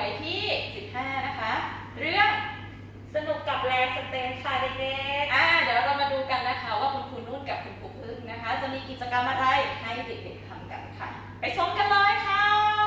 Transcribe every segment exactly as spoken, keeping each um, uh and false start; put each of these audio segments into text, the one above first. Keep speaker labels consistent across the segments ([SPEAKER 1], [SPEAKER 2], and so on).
[SPEAKER 1] ที่สิบห้านะคะเรื่อง
[SPEAKER 2] สนุกกับแรงสเตนค่ะเด็กๆ
[SPEAKER 1] อ่าเดี๋ยวเรามาดูกันนะคะว่าคุณครูนุ่นกับคุณครูพึ่งนะคะจะมีกิจกรรมอะไรให้เด็กๆทำกันค่ะไปชมกันเลยค่ะ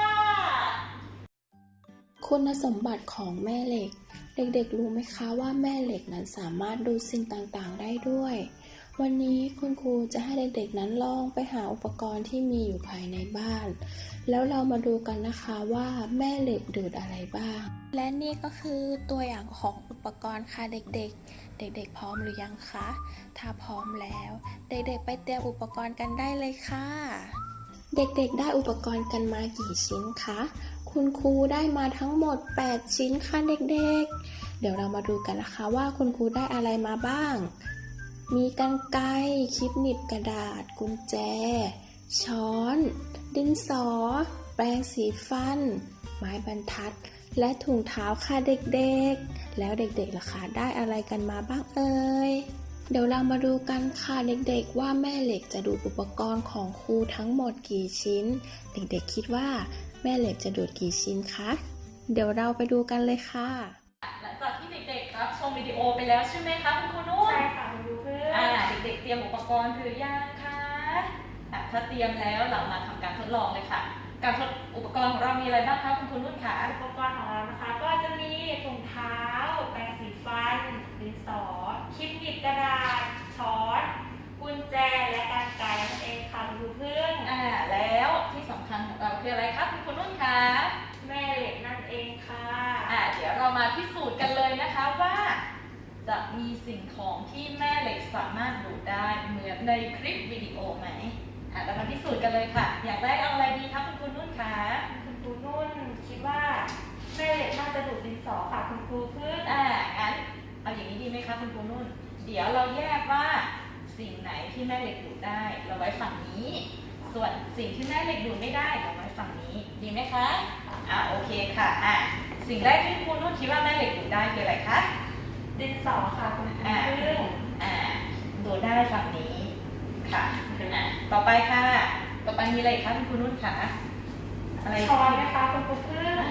[SPEAKER 3] คุณสมบัติของแม่เหล็กเด็กๆรู้ไหมคะว่าแม่เหล็กนั้นสามารถดูสิ่งต่างๆได้ด้วยวันนี้คุณครูจะให้เด็กๆนั้นลองไปหาอุปกรณ์ที่มีอยู่ภายในบ้านแล้วเรามาดูกันนะคะว่าแม่เหล็กดูดอะไรบ้างและนี่ก็คือตัวอย่างของอุปกรณ์ค่ะเด็กๆเด็กๆพร้อมหรือยังคะถ้าพร้อมแล้วเด็กๆไปเตรียมอุปกรณ์กันได้เลยค่ะเด็กๆได้อุปกรณ์กันมากี่ชิ้นคะคุณครูได้มาทั้งหมดแปดชิ้นค่ะเด็กๆเดี๋ยวเรามาดูกันนะคะว่าคุณครูได้อะไรมาบ้างมีกรรไกรคลิปหนีบกระดาษกุญแจช้อนดินสอแปรงสีฟันไม้บรรทัดและถุงเท้าค่ะเด็กๆแล้วเด็กๆล่ะคะได้อะไรกันมาบ้างเอ่ยเดี๋ยวเรามาดูกันค่ะเด็กๆว่าแม่เหล็กจะดูดอุปกรณ์ของครูทั้งหมดกี่ชิ้นเด็กๆคิดว่าแม่เหล็กจะดูดกี่ชิ้นคะเดี๋ยวเราไปดูกันเลยค่ะ
[SPEAKER 1] หลังจากที่เด็กๆรับชมวิดีโอไปแล้วใช่ไหมคะคุณครูนุ่น
[SPEAKER 2] ใช่ค่ะคุณครูพึ่ง
[SPEAKER 1] อ่าเด็กๆเตรียมอุปกรณ์หรือยังคะอ่ะถ้าเตรียมแล้วเรามาทำการทดลองเลยค่ะการทดอุปกรณ์ของเรามีอะไรบ้างคะคุณครูนุ่นคะ
[SPEAKER 2] อุปกรณ์ของเรานะคะก็จะมีถุงเท้าแปรงสีฟันดินสอคลิปหนีบกระดาษช้อนกุญแจและกรรไกรนั่นเองค่ะคุณครูพึ่ง
[SPEAKER 1] อ่าแล้วที่สำคัญของเราคืออะไรคะคุณครูนุ่นคะ
[SPEAKER 2] แม่เหล็กนั่นเองค่ะ
[SPEAKER 1] อ่าเดี๋ยวเรามาพิสูจน์กันเลยนะคะว่าจะมีสิ่งของที่แม่เหล็กสามารถดูดได้เหมือนในคลิปวิดีโอไหมอ่าเรามาพิสูจน์กันเลยค่ะอยากได้เอาอะไรดีคะคุณครูนุ่นคะ
[SPEAKER 2] คุณครูนุ่นคิดว่าแม่เหล็กน่าจะดูดดินสอค่ะคุณครูพึ่ง
[SPEAKER 1] อ่างั้นเอาอย่างนี้ดีไหมคะคุณครูนุ่นเดี๋ยวเราแยกว่าสิ่งไหนที่แม่เหล็กดูดได้เราไว้ฝั่งนี้ส่วนสิ่งที่แม่เหล็กดูดไม่ได้เราไว้ฝั่งนี้ดีไหมคะอ่าโอเคค่ะอ่าสิ่งแรกที่คุณครูนุ่นคิดว่าแม่เหล็กดูดได้คืออะไรคะ
[SPEAKER 2] ดินสอค่ะคุณครู
[SPEAKER 1] พึ่งอ่าดูดได้ฝั่งนี้ค่ะอ่าต่อไปค่ะต่อไปมีอะไรคะคุณครูนุ่นคะ
[SPEAKER 2] อะไรช้อนนะคะคุณครูพึ่ง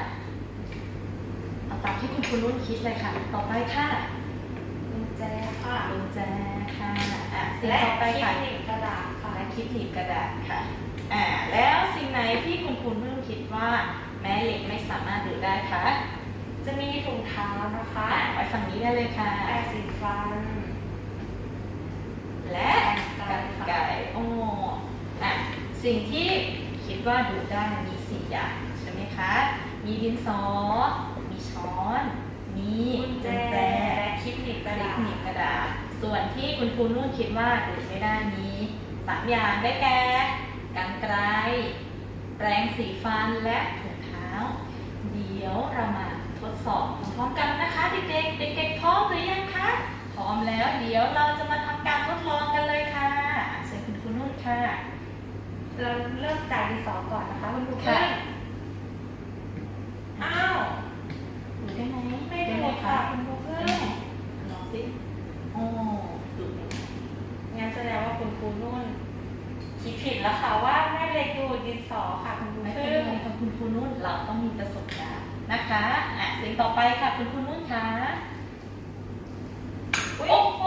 [SPEAKER 1] เอาตามที่คุณครูนุ่นคิดเลยค่ะต่อไปค่ะ
[SPEAKER 2] กุญแจค่ะ
[SPEAKER 1] กุญแจค่ะอ่ะสิ่ง
[SPEAKER 2] และ
[SPEAKER 1] ต่อไปค่ะ
[SPEAKER 2] คลิปหนีบกระดาษค่ะ
[SPEAKER 1] และคลิปหนีบกระดาษค่ะอ่าแล้วสิ่งไหนที่คุณครูนุ่นคิดว่าแม่เหล็กไม่สามารถดูได้คะ
[SPEAKER 2] จะมีถุงเท้านะคะ
[SPEAKER 1] ไว้ฝั่งนี้ได้เลยค่ะ
[SPEAKER 2] แปรงสีฟัน
[SPEAKER 1] และกรรไกรโอ้อ่ะสิ่งที่คิดว่าดูได้มีสี่อย่างใช่ไหมคะมีดินสอมีช้อนมี
[SPEAKER 2] กุญแจและคลิปหนีบกระดาษ
[SPEAKER 1] หนีบกระดาษส่วนที่คุณครูนุ่นคิดว่าดูดไม่ได้มีสามอย่างได้แก่กรรไกรแปรงสีฟันและถุงเท้าเดี๋ยวเรามาทดสอบพร้อมกันนะคะเด็กๆเด็กๆพร้อมหรือยังคะพร้อมแล้วเดี๋ยวเราจะมาทำการทดลองกันเลยค่ะเชิญคุณครูนุ่นค่ะ
[SPEAKER 2] เราเริ่มจากดินสอก่อนนะคะคุณครูพึ่งอ้าว
[SPEAKER 1] ดูได้ไหม
[SPEAKER 2] ไม่ดูค่ะคุณครูพึ่ง
[SPEAKER 1] ลองสิโอ้ดู
[SPEAKER 2] งั้นแสดงว่าคุณครูนุ่นคิดผิดแล้วค่ะว่าแม่เหล็กดูดดินสอค่ะคุณครู
[SPEAKER 1] ไม่เป็
[SPEAKER 2] พึ่
[SPEAKER 1] นไรค่ะคุณครูนุ่นเราต้องมีประสบการณ์นะคะอ่ะสิ่งต่อไปค่ะคุณครูนุ่นคะโอ้โห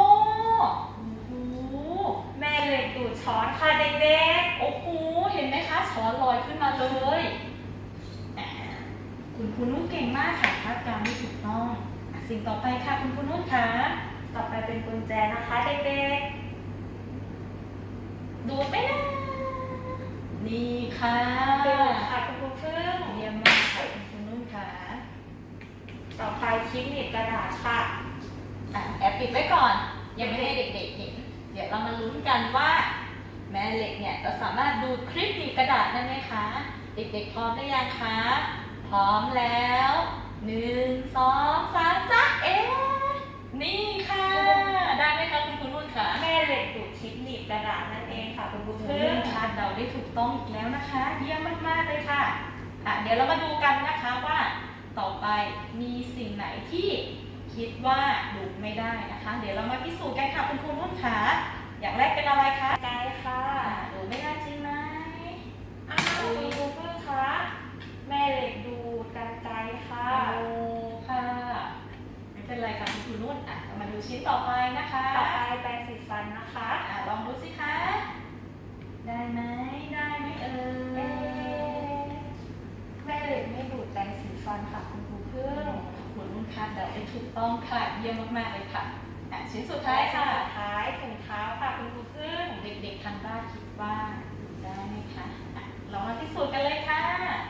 [SPEAKER 2] แม่เหล็กดูดช้อนค่ะเด็ก
[SPEAKER 1] ๆโอ้โหเห็นไหมคะช้อนลอยขึ้นมาเลยคุณครูนุ่นเก่งมากค่ะคาดการณ์ที่ถูกต้องสิ่งต่อไปค่ะคุณครูนุ่นคะ
[SPEAKER 2] ต่อไปเป็นกุญแจนะคะเด็ก
[SPEAKER 1] ๆดูดไม่ได้นี่ค่ะ
[SPEAKER 2] ดูดค่ะคุณครูพึ่ง
[SPEAKER 1] เยี่ยมมากค่ะคุณครูนุ่นค่ะ
[SPEAKER 2] ต่อไปคลิปหนีบกระดาษค่ะ
[SPEAKER 1] อ่ะแอบปิดไว้ก่อนยังไม่ให้เด็กๆเห็นเดี๋ยวเรามาลุ้นกันว่าแม่เหล็กเนี่ยจะสามารถดูดคลิปหนีบกระดาษได้ไหมคะเด็กๆพร้อมหรือยังคะพร้อมแล้วหนึ่งสองสามจ้าเอ๊นี่ค่ะได้ไหมคะคุณครูนุ่นคะ
[SPEAKER 2] แม่เหล็กดูดคลิปหนีบกระดาษนั่นเองค่ะคุณครูพึ่ง
[SPEAKER 1] คาดเดาได้ถูกต้องอีกแล้วนะคะเยี่ยมมากๆเลยค่ะอ่ะเดี๋ยวเรามาดูกันนะคะว่าต่อไปมีสิ่งไหนที่คิดว่าดูดไม่ได้นะคะเดี๋ยวเรามาพิสูจน์กันค่ะคุณครูนุ่นคะอย่างแรกเป็นอะไรคะ
[SPEAKER 2] ไกรค่ะ
[SPEAKER 1] ดูดไม่ได้จริงไหม
[SPEAKER 2] อ้าวคุณครูพึ่งคะแม่เหล็กดูดกรรไ
[SPEAKER 1] นุ่นอ่ะเรามาดูชิ้นต่อไปนะคะ
[SPEAKER 2] ต่อไปแปรงสีฟันนะคะ
[SPEAKER 1] อ่ะลองดูสิคะได้ไหมได้ไหมเอ่
[SPEAKER 2] เอ๊
[SPEAKER 1] ย
[SPEAKER 2] ะแม่เหล็กไม่ดูดแปรงสีฟันค่ะคุณครูพึ่ง
[SPEAKER 1] คุณนุ่นคาดเดาได้ถูกต้องค่ะเยี่ยมมากๆเลยค่ะอ่ะชิ้นสุดท้ายค่ะ
[SPEAKER 2] สุดท้ายถุงเท้าค่ะคุณครูพึ่ง
[SPEAKER 1] เด็กๆทางบ้านคิดว่าได้ไหมคะอ่ะเรามาพิสูจน์กันเลยค่ะ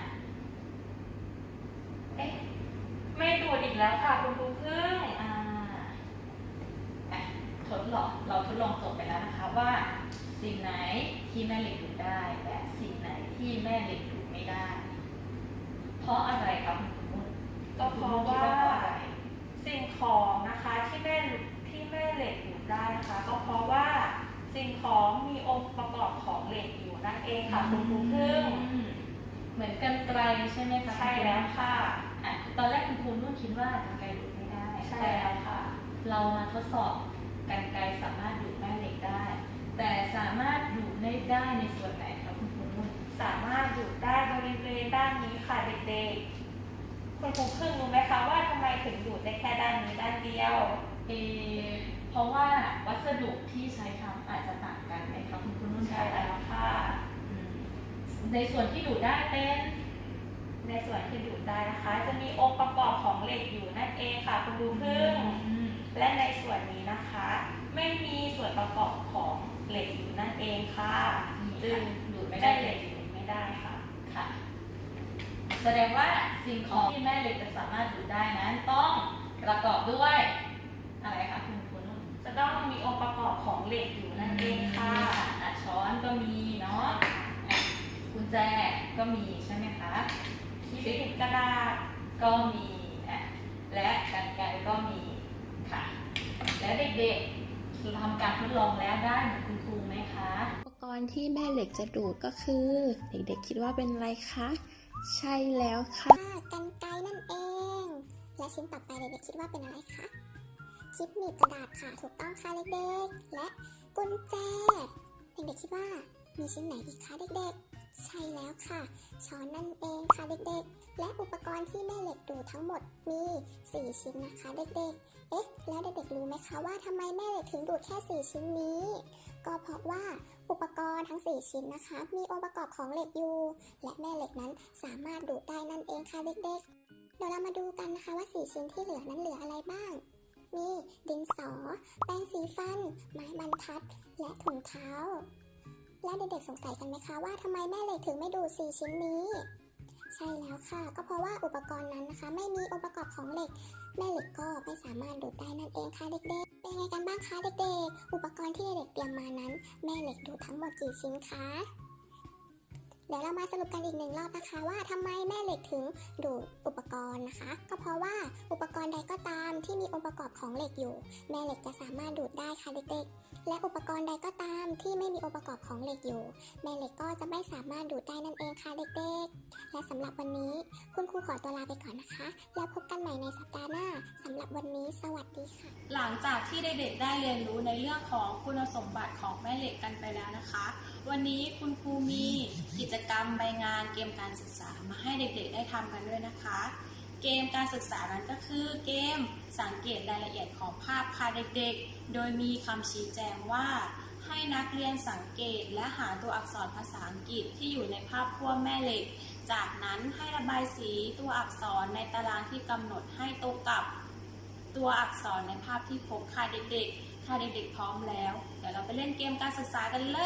[SPEAKER 2] เอ๊ะไม่ดูดอีกแล้วค่ะคุณครูพึ่ง
[SPEAKER 1] อ่าอ่ะทดลองเราทดลองจบไปแล้วนะคะว่า สิ่งไหนที่แม่เหล็กดูดได้และสิ่งไหนที่แม่เหล็กดูดไม่ได้ เพราะอะไรครับคุณนุ่น
[SPEAKER 2] ก็เพราะว่า
[SPEAKER 1] คิดเพราะอะไร
[SPEAKER 2] สิ่งของนะคะที่แม่ที่แม่เหล็กดูดได้นะคะ ก็เพราะว่าสิ่งของมีองค์ประกอบของเหล็กอยู่นั่นเองค่ะคุณครูพึ่ง
[SPEAKER 1] อืมเหมือนกันไกลใช่ไหมคะ
[SPEAKER 2] ใช่แล้วค่ะ
[SPEAKER 1] อ่ะตอนแรกคุณครูนุ่นคิดว่ากันไกลดูดไม่ได้
[SPEAKER 2] ใช่แล้วค่ะ
[SPEAKER 1] เรามาทดสอบกันไกลสามารถดูดแม่เหล็กได้ แต่สามารถดูดได้ได้ในส่วนไหนครับคุณครูนุ่น
[SPEAKER 2] สามารถดูดได้บริเวณด้านนี้ค่ะเด็กๆคุณครูพึ่งรู้ไหมคะว่าทำไมถึงดูดได้แค่ด้านนี้ด้านเดียว
[SPEAKER 1] เออเพราะว่าวัสดุที่ใช้ทำอาจจะต่างกันไหมครับคุณครูนุ่น
[SPEAKER 2] ใช่แล้วค่ะ
[SPEAKER 1] อืมในส่วนที่ดูดได้เป็น
[SPEAKER 2] ในส่วนที่ดูดได้นะคะ จะมีองค์ประกอบของเหล็กอยู่นั่นเองค่ะคุณครูพึ่ง
[SPEAKER 1] อืม
[SPEAKER 2] และในส่วนนี้นะคะ ไม่มีส่วนประกอบของเหล็กอยู่นั่นเองค่ะ
[SPEAKER 1] จึงดูดไม่
[SPEAKER 2] ไม่
[SPEAKER 1] ได้
[SPEAKER 2] ได้
[SPEAKER 1] เล
[SPEAKER 2] เหล็
[SPEAKER 1] ย
[SPEAKER 2] กดูดไม่ได้ค่ะ
[SPEAKER 1] ค่ะ แสดงว่าสิ่งของที่แม่เหล็กจะสามารถดูดได้นั้นต้องประกอบด้วยอะไรคะคุณครูนุ่น
[SPEAKER 2] จะต้องมีองค์ประกอบของเหล็กอยู่นั่นเองค่ะ
[SPEAKER 1] อ่ะช้อนก็มีเนาะอ่ะกุญแจก็มีใช่ไหมคะ
[SPEAKER 2] ที่ปิดกระดาษ
[SPEAKER 1] ก็มีอ่ะและกรรไกรก็มีค่ะ และเด็กๆทำการทดลองแล้วได้เหมือนคุณครูไหมคะ
[SPEAKER 3] อุปกรณ์ที่แม่เหล็กจะดูดก็คือ เด็กๆคิดว่าเป็นอะไรคะ ใช่แล้วค่ะ
[SPEAKER 4] ค่ะกรรไกรนั่นเอง และชิ้นต่อไปเด็กๆคิดว่าเป็นอะไรคะคลิปหนีบกระดาษค่ะถูกต้องค่ะเด็กๆและกุญแจเด็กๆคิดว่ามีชิ้นไหนอีกคะเด็กๆ ใช่แล้วค่ะช้อนนั่นเองค่ะเด็กๆ และอุปกรณ์ที่แม่เหล็กดูดทั้งหมดมีสี่ชิ้นนะคะเด็กๆ เอ๊ะแล้วเด็กๆรู้ไหมคะว่าทำไมแม่เหล็กถึงดูดแค่สี่ชิ้นนี้ ก็เพราะว่าอุปกรณ์ทั้งสี่ชิ้นนะคะ มีองค์ประกอบของเหล็กอยู่ และแม่เหล็กนั้นสามารถดูดได้นั่นเองค่ะเด็กๆ เดี๋ยวเรามาดูกันนะคะว่าสี่ชิ้นที่เหลือนั้นเหลืออะไรบ้าง มีดินสอ แปรงสีฟัน ไม้บรรทัด และถุงเท้า และเด็กๆสงสัยกันไหมคะว่าทำไมแม่เหล็กถึงไม่ดูดสี่ชิ้นนี้ ใช่แล้วค่ะ ก็เพราะว่าอุปกรณ์นั้นนะคะ ไม่มีองค์ประกอบของเหล็ก แม่เหล็กก็ไม่สามารถดูดได้นั่นเองค่ะเด็กๆ เป็นไงกันบ้างคะเด็กๆ อุปกรณ์ที่เด็กๆเตรียมมานั้น แม่เหล็กดูดทั้งหมดกี่ชิ้นคะ เดี๋ยวเรามาสรุปกันอีกหนึ่งรอบนะคะว่าทำไมแม่เหล็กถึงดูดอุปกรณ์นะคะ ก็เพราะว่าอุปกรณ์ใดก็ตามที่มีองค์ประกอบของเหล็กอยู่ แม่เหล็กจะสามารถดูดได้ค่ะเด็กๆ และอุปกรณ์ใดก็ตามที่ไม่มีองค์ประกอบของเหล็กอยู่ แม่เหล็กก็จะไม่สามารถดูดได้นั่นเองค่ะเด็กๆ และสำหรับวันนี้คุณครูขอตัวลาไปก่อนนะคะ แล้วพบกันใหม่ในสัปดาห์หน้าสำหรับวันนี้สวัสดีค่ะ
[SPEAKER 5] หลังจากที่เด็กๆได้เรียนรู้ในเรื่องของคุณสมบัติของแม่เหล็กกันไปแล้วนะคะ วันนี้คุณครูมีกิจกรรมใบงานเกมการศึกษามาให้เด็กๆได้ทำกันด้วยนะคะ เกมการศึกษานั้นก็คือเกมสังเกตรายละเอียดของภาพค่ะเด็กๆ โดยมีคำชี้แจงว่าให้นักเรียนสังเกตและหาตัวอักษรภาษาอังกฤษที่อยู่ในภาพขั้วแม่เหล็ก จากนั้นให้ระบายสีตัวอักษรในตารางที่กำหนดให้ตรงกับตัวอักษรในภาพที่พบค่ะเด็กๆถ้าเด็กๆพร้อมแล้ว เดี๋ยวเราไปเล่นเกมการศึกษากันเลย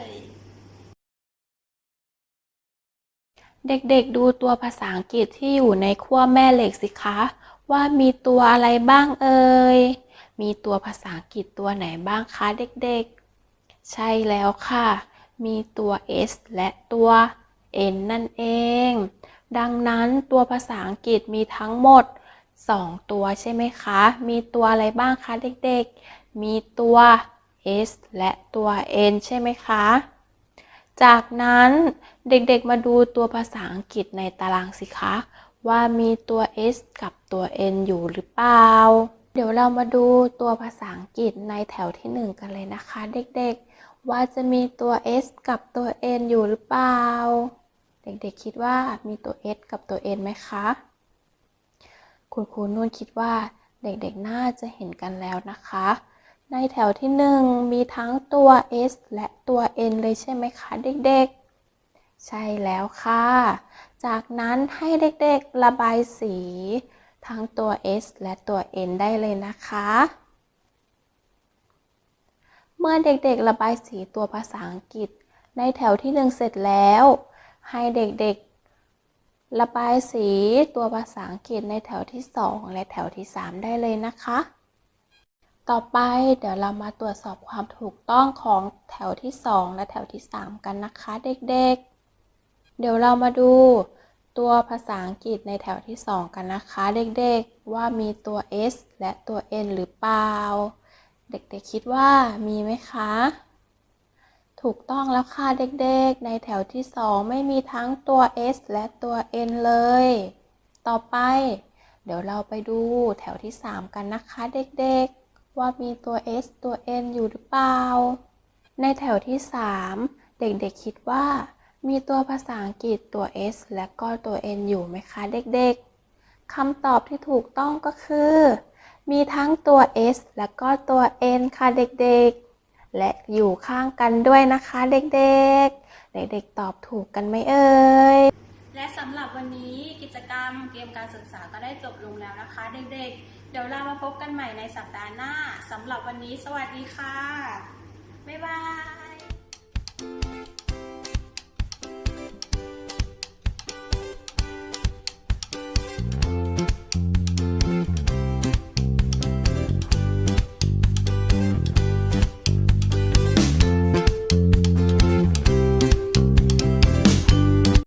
[SPEAKER 3] เด็กๆดูตัวภาษาอังกฤษที่อยู่ในขั้วแม่เหล็กสิคะว่ามีตัวอะไรบ้างเอ่ย มีตัวภาษาอังกฤษตัวไหนบ้างคะเด็กๆ ใช่แล้วค่ะ มีตัว S และตัว N นั่นเอง ดังนั้นตัวภาษาอังกฤษมีทั้งหมดสองตัวใช่ไหมคะ มีตัวอะไรบ้างคะเด็กๆ มีตัว S และตัว N ใช่ไหมคะ จากนั้นเด็กๆมาดูตัวภาษาอังกฤษในตารางสิคะว่ามีตัว S กับตัว N อยู่หรือเปล่า เดี๋ยวเรามาดูตัวภาษาอังกฤษในแถวที่หนึ่งกันเลยนะคะเด็กๆว่าจะมีตัว S กับตัว N อยู่หรือเปล่า เด็กๆคิดว่ามีตัว S กับตัว N ไหมคะคุณครูนุ่นคิดว่าเด็กๆน่าจะเห็นกันแล้วนะคะ ในแถวที่หนึ่งมีทั้งตัว S และตัว N เลยใช่ไหมคะเด็กๆใช่แล้วค่ะจากนั้นให้เด็กๆระบายสีทั้งตัว S และตัว N ได้เลยนะคะเมื่อเด็กๆระบายสีตัวภาษาอังกฤษในแถวที่หนึ่งเสร็จแล้วให้เด็กๆระบายสีตัวภาษาอังกฤษในแถวที่สองและแถวที่สามได้เลยนะคะต่อไปเดี๋ยวเรามาตรวจสอบความถูกต้องของแถวที่สองและแถวที่สามกันนะคะเด็กๆเดี๋ยวเรามาดูตัวภาษาอังกฤษในแถวที่สองกันนะคะเด็กๆว่ามีตัว S และตัว N หรือเปล่าเด็กๆคิดว่ามีไหมคะถูกต้องแล้วค่ะเด็กๆในแถวที่สองไม่มีทั้งตัว S และตัว N เลยต่อไปเดี๋ยวเราไปดูแถวที่สามกันนะคะเด็กๆว่ามีตัว S ตัว N อยู่หรือเปล่าในแถวที่สามเด็กๆคิดว่ามีตัวภาษาอังกฤษตัว S และก็ตัว N อยู่ไหมคะเด็กๆคำตอบที่ถูกต้องก็คือมีทั้งตัว S และก็ตัว N ค่ะเด็กๆและอยู่ข้างกันด้วยนะคะเด็กๆเด็กๆตอบถูกกันไหมเอ่ย
[SPEAKER 5] และสำหรับวันนี้กิจกรรมเกมการศึกษาก็ได้จบลงแล้วนะคะเด็กๆเดี๋ยวเรามาพบกันใหม่ในสัปดาห์หน้าสำหรับวันนี้สวัสดีค่ะบ๊ายบาย